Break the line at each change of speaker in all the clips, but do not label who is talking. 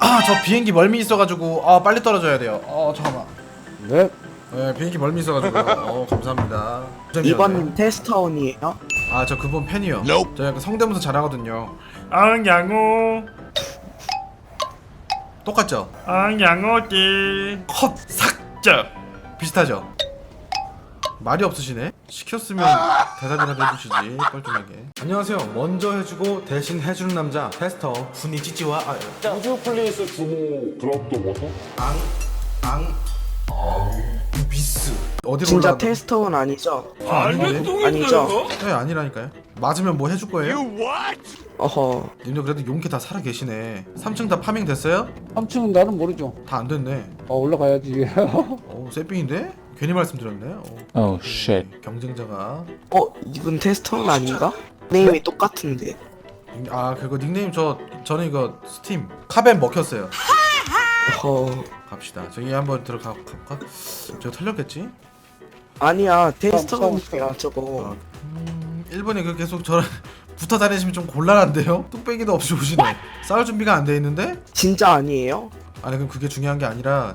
아, 저 비행기 멀미 있어가지고 빨리 떨어져야 돼요. 잠깐만.
네.
네, 비행기 멀미 있어가지고 감사합니다.
이번 테스터온이에요?
아, 저 그분 팬이요. 저 약간 성대모사 잘하거든요.
양호
똑같죠?
양호지
컷! 삭제! 비슷하죠? 말이 없으시네? 시켰으면 대답이라도 해주시지 뻘쭘하게. 안녕하세요. 먼저 해주고 대신 해주는 남자 테스터 훈이 찌찌와
우주 플레이스 주모 드랍도 뭐죠?
미스 어디로
진짜
올라가나?
테스터온 아니죠?
아닌데?
아니죠?
네, 아니라니까요. 맞으면 뭐 해줄 거예요?
어허.
님들 그래도 용케 다 살아 계시네. 3층 다 파밍 됐어요?
3층은 나는 모르죠.
다 안 됐네.
올라가야지.
쎄삥인데? 괜히 말씀드렸네.
Oh shit.
경쟁자가
이분 테스터온 아닌가? 네임이 똑같은데.
그거 닉네임 저는 이거 스팀 카벤 먹혔어요.
어허.
갑시다. 저기 한번 들어가 볼까? 저 털렸겠지?
아니야 테스터온이야 저거.
1번에 그 계속 저랑 붙어 다니시면 좀 곤란한데요? 뚝배기도 없이 오시네. 싸울 준비가 안 돼 있는데?
진짜 아니에요?
아니 그럼 그게 중요한 게 아니라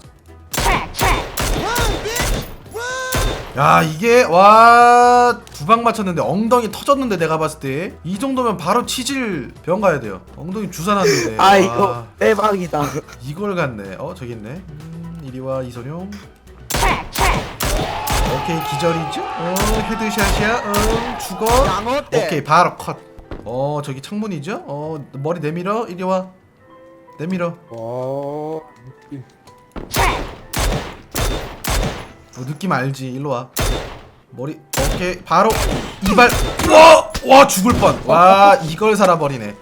야 이게 와 두 방 맞췄는데 엉덩이 터졌는데 내가 봤을 때 이 정도면 바로 치질 병 가야 돼요. 엉덩이 주사 났는데
아 이거 대박이다.
이걸 갔네. 저기 있네. 이리와 이소룡. 오케이 기절이죠? 헤드샷이야. 죽어. 오케이 바로 컷. 저기 창문이죠? 머리 내밀어. 이리와 내밀어. 느낌 알지? 일로와. 머리 오케이 바로 이발. 와 죽을 뻔. 와 이걸 살아버리네.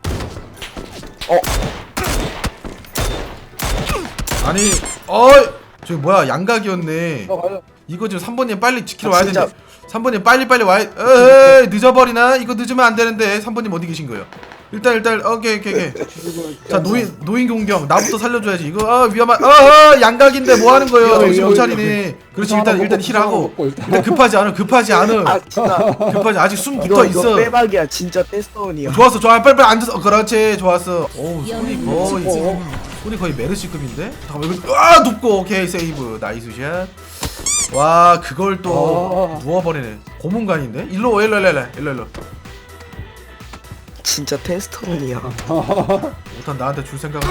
아니 저기 뭐야 양각이었네. 이거 지금 3번님 빨리 지키러 와야
진짜.
되는데 3번님 빨리 와야. 에이 늦어버리나? 이거 늦으면 안 되는데. 3번님 어디 계신 거예요? 일단 오케이 자 노인 공격 나부터 살려줘야지. 이거 위험한 양각인데 뭐 하는 거예요? 정신 못 차리네. 그렇지 일단 힐하고 일단 급하지 않아
아 진짜
급하지 아직 숨
이거
붙어 있어.
대박이야 진짜 테스터온이야.
좋았어 빨리 앉아서 그렇지 좋았어. 손이 거의 메르시급인데. 잠깐만 이거 눕고 오케이 세이브 나이스 샷. 와 그걸 또 누워버리네. 고문관인데. 일로
진짜 테스터온이야.
일단 나한테 줄 생각은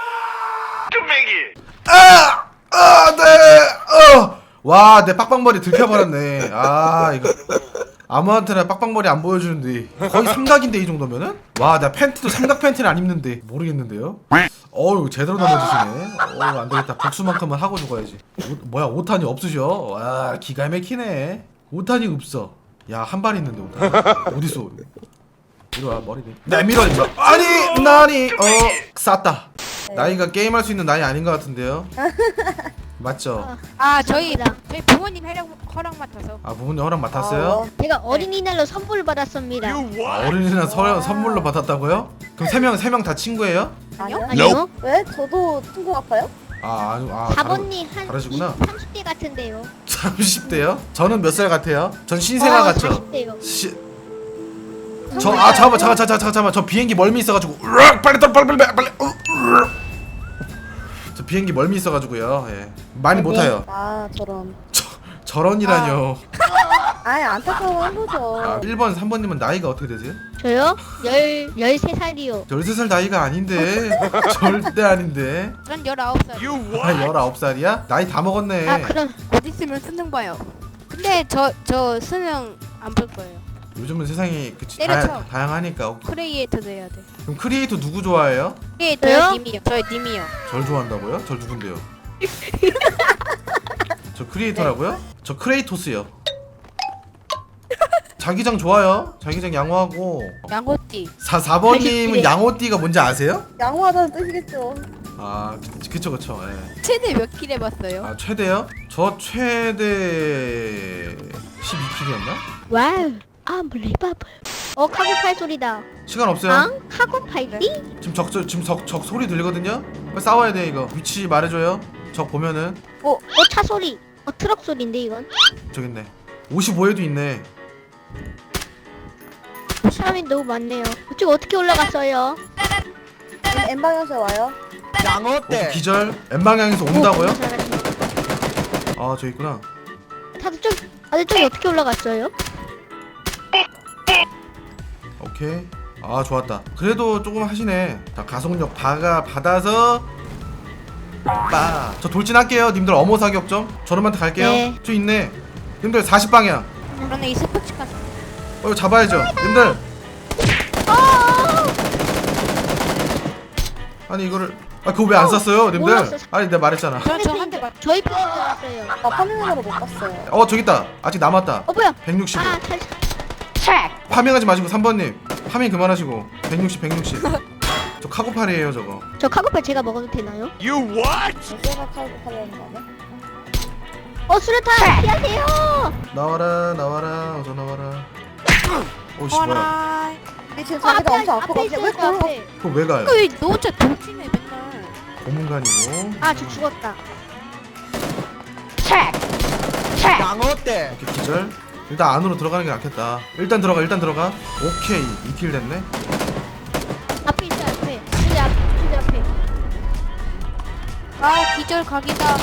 와 내 빡빡머리 들켜버렸네. 이거 아무한테나 빡빡머리 안 보여주는데 거의 삼각인데 이 정도면은. 와 나 팬티도 삼각 팬티는 안 입는데 모르겠는데요. 제대로 넘어지시네. 안되겠다. 복수만큼은 하고 죽어야지. 뭐야 5탄이 없으셔. 와 기가 막히네. 5탄이 없어. 야 한 발 있는데 5탄 어딨어. 이리와 머리 내밀어. 아니 나니 쌌다. 나이가 게임할 수 있는 나이 아닌 것 같은데요. 맞죠?
저희 부모님 허락 맡아서.
부모님 허락 맡았어요?
제가 어린이날로 선물 받았습니다.
어린이날 선물로 받았다고요? 그럼 세 명 다 친구예요?
아니요?
왜? 저도 친구 같아요?
사모님 한
다르시구나.
30대 같은데요.
30대요? 저는 몇 살 같아요? 전 신생아 같죠?
40대요.
잠깐만 저 비행기 멀미 있어가지고 빨리 저 비행기 멀미 있어가지고요. 많이 못 타요.
저런.
저런이라뇨.
안타까워한 거죠.
1번 3번님은 나이가 어떻게 되세요?
저요? 13살이요.
13살 나이가 아닌데. 절대 아닌데.
전 19살.
19살이야? 나이 다 먹었네.
그럼
곧 있으면 수능 봐요. 근데 저 수능 안 볼 거예요.
요즘은 세상이 그치
때려쳐.
다양하니까.
크리에이터도 해야 돼.
그럼 크리에이터 누구 좋아해요?
크리에이터요? 님이요. 저희 님이요.
절 좋아한다고요? 절 누군데요? 저 크리에이터라고요? 저 크레이토스요. 자기장 좋아요. 자기장 양호하고.
양호띠.
4번님은 양호띠가 뭔지 아세요?
양호하다는 뜻이겠죠.
그쵸.
최대 몇 킬 해봤어요?
최대요? 저 최대 12킬이었나?
와우. unbelievable. 카고팔 소리다.
시간 없어요.
카고팔띠?
지금 적 소리 들리거든요? 빨리 싸워야 돼 이거. 위치 말해줘요. 적 보면은.
차 소리. 트럭 소리인데 이건.
저기 있네. 55에도 있네.
사람이 너무 많네요. 이쪽 어떻게 올라갔어요?
N방향에서 와요.
오케이, 기절. N방향에서 온다고요?
잘하시네.
아, 저 있구나.
다들 저기 어떻게 올라갔어요?
오케이. 아, 좋았다. 그래도 조금 하시네. 자, 가속력 받아서 저 돌진할게요. 님들 어머 사격점. 저놈한테 갈게요.
네.
저 있네. 님들 40방향.
그러네 이 스포츠 가서.
이거 잡아야죠. 님들. 아니 이거를 그거 왜 안 쐈어요, 님들?
몰랐어.
아니 내가 말했잖아.
저한테 맞.
저희 편인 줄 알았어요.
나 파밍으로 못 봤어요.
저기 있다. 아직 남았다.
뭐야?
160.
아,
파밍하지 마시고 3번님. 파밍 그만하시고 160. 저 카고팔이에요 저거.
저 카고팔 제가 먹어도 되나요?
제가 칼고 팔려는 거 아니야?
수류탄 피하세요.
나와라 어서 나와라. 오씨 뭐야.
어라.
근데 지금 자기가 엄청 아파가지고 왜 그걸
앞에.
그거 왜 가요?
왜너 혼자 돌진해 맨날.
고문관이고.
저 죽었다.
오케이 기절. 일단 안으로 들어가는 게 낫겠다. 일단 들어가. 오케이 2킬 됐네.
앞에 있어 앞에. 근데 앞에.
아 기절 각이다.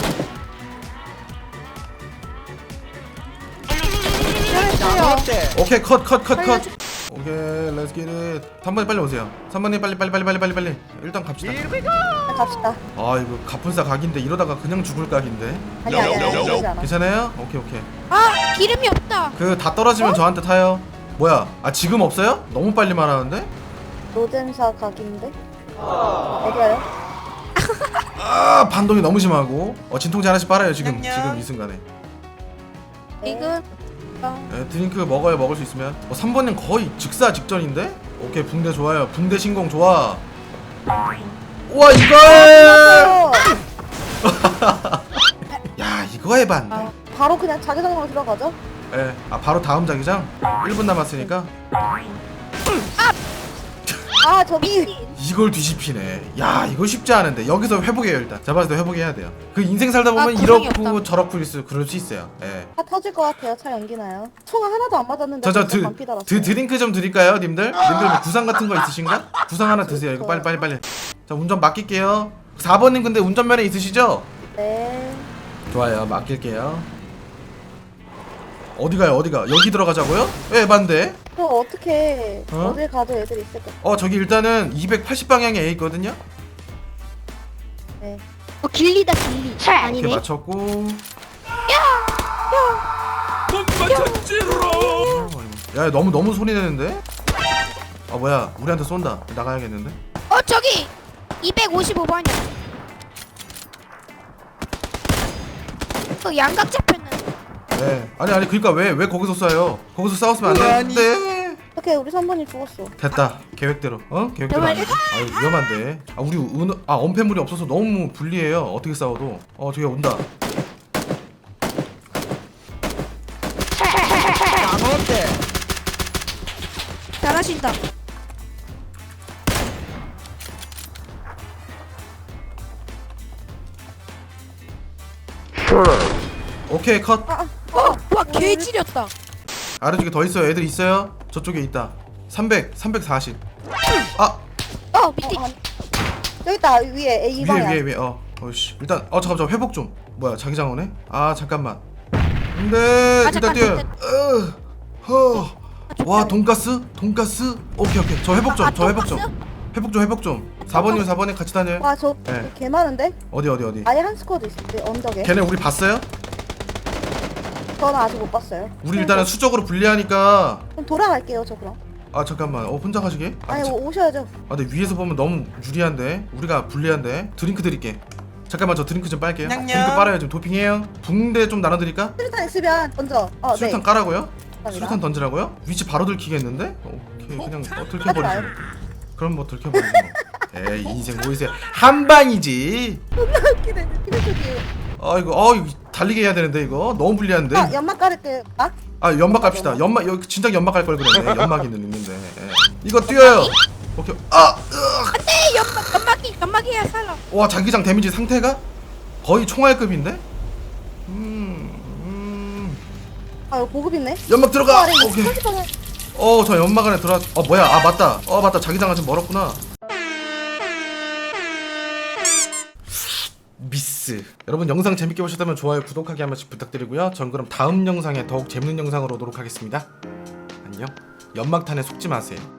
기절했어요.
오케이 컷. 오케이 렛츠 깃잇. 3번님 빨리 오세요. 3번님 빨리. 일단 갑시다.
갑시다.
아 이거 가분싸 각인데 이러다가 그냥 죽을 각인데.
아니야. 그러지 않아.
괜찮아요? 오케이.
아 기름이 없다.
그 다 떨어지면 저한테 타요. 뭐야? 지금 없어요? 너무 빨리 말하는데?
로젠사 각인데? 어디가요?
반동이 너무 심하고. 진통제 하나씩 빨아요 지금 이 순간에.
이거
드링크 먹을 수 있으면. 3번님 거의 직사 직전인데? 오케이 붕대 좋아요. 붕대 신공 좋아. 우와 이걸! 야 이거 해봤네.
바로 그냥 자기장으로 들어가죠?
예. 바로 다음 자기장. 1분 남았으니까
저기
이걸 뒤집히네. 야 이거 쉽지 않은데. 여기서 회복해요 일단. 잡아서 회복해야 돼요. 그 인생 살다 보면
구성이
이렇고
없다.
저렇고 그럴 수 있어요. 예.
다 터질 것 같아요. 차 연기나요? 총알 하나도 안 맞았는데
저
벌써 반피 달았어요.
드링크 좀 드릴까요, 님들? 님들 뭐 구상 같은 거 있으신가? 구상 하나 드세요. 이거 빨리. 자, 운전 맡길게요. 4번님 근데 운전면허 있으시죠?
네.
좋아요. 맡길게요. 어디 가요? 여기 들어가자고요? 예, 반대.
그럼 어떻게
어?
어딜 가도 애들이 있을 것
저기 일단은 280방향에 A 있거든요.
같아.
길리다 길리.
이렇게
아니네.
맞췄고. 야, 너무 소리 내는데? 뭐야? 우리한테 쏜다. 나가야겠는데?
저기 255번이야. 그 양각 잡혔는.
네. 아니 그러니까 왜 거기서 쏴요? 거기서 싸웠으면 안 되는데.
어떻게 우리 3번이 죽었어.
됐다. 계획대로. 계획대로 안 돼. 위험한데. 우리 언패물이 없어서 너무 불리해요. 어떻게 싸워도. 저기 온다.
잘하신다.
오케이 컷.
와 개지렸다.
아래쪽에 더 있어요. 애들 있어요. 저쪽에 있다. 340.
밑에.
저기 있다 위에 A 방향.
위에. 어이씨. 일단 잠깐만 저 회복 좀. 뭐야 자기장 오네? 잠깐만. 근데 일단
잠깐,
뛰어요. 와 돈가스? 오케이. 저 회복 좀. 회복 좀. 4번님 같이 다녀요.
와저
네.
개 많은데?
어디?
아예 한 스쿼드 있을 때 언덕에.
걔네 우리 봤어요?
저는 아직 못 봤어요.
우리 일단은 수적으로 불리하니까.
그럼 돌아갈게요 저 그럼.
잠깐만. 혼자 가시게?
아니 오셔야죠.
근데 위에서 보면 너무 유리한데 우리가 불리한데. 드링크 드릴게. 잠깐만 저 드링크 좀 빨게요. 드링크 빨아요. 지금 도핑해요. 붕대 좀 나눠드릴까?
수류탄 있으면 먼저.
수류탄
네.
깔라고요?
감사합니다.
수류탄 던지라고요? 위치 바로 들키겠는데? 오케이 그냥
하지
들켜버리지
마요.
뭐. 그럼 뭐 들켜버리지 뭐. 에이 인생 뭐이세요. 한 방이지.
웃기네. 피드쪽이.
이거 달리게 해야 되는데 이거 너무 불리한데.
연막 깔을게.
연막 갑시다. 여기 진작 연막 갈 걸 그랬네. 연막이 있는데. 이거 뛰어요. 오케이.
안돼 연막이야 살라.
와 자기장 데미지 상태가 거의 총알급인데?
이거 보급 있네.
연막 들어가.
아래
오케이.
30%.
저 연막 안에 들어왔. 뭐야? 맞다. 맞다. 자기장은 좀 멀었구나. 나이스. 여러분 영상 재밌게 보셨다면 좋아요 구독하기 한 번씩 부탁드리고요. 전 그럼 다음 영상에 더욱 재밌는 영상으로 오도록 하겠습니다. 안녕. 연막탄에 속지 마세요.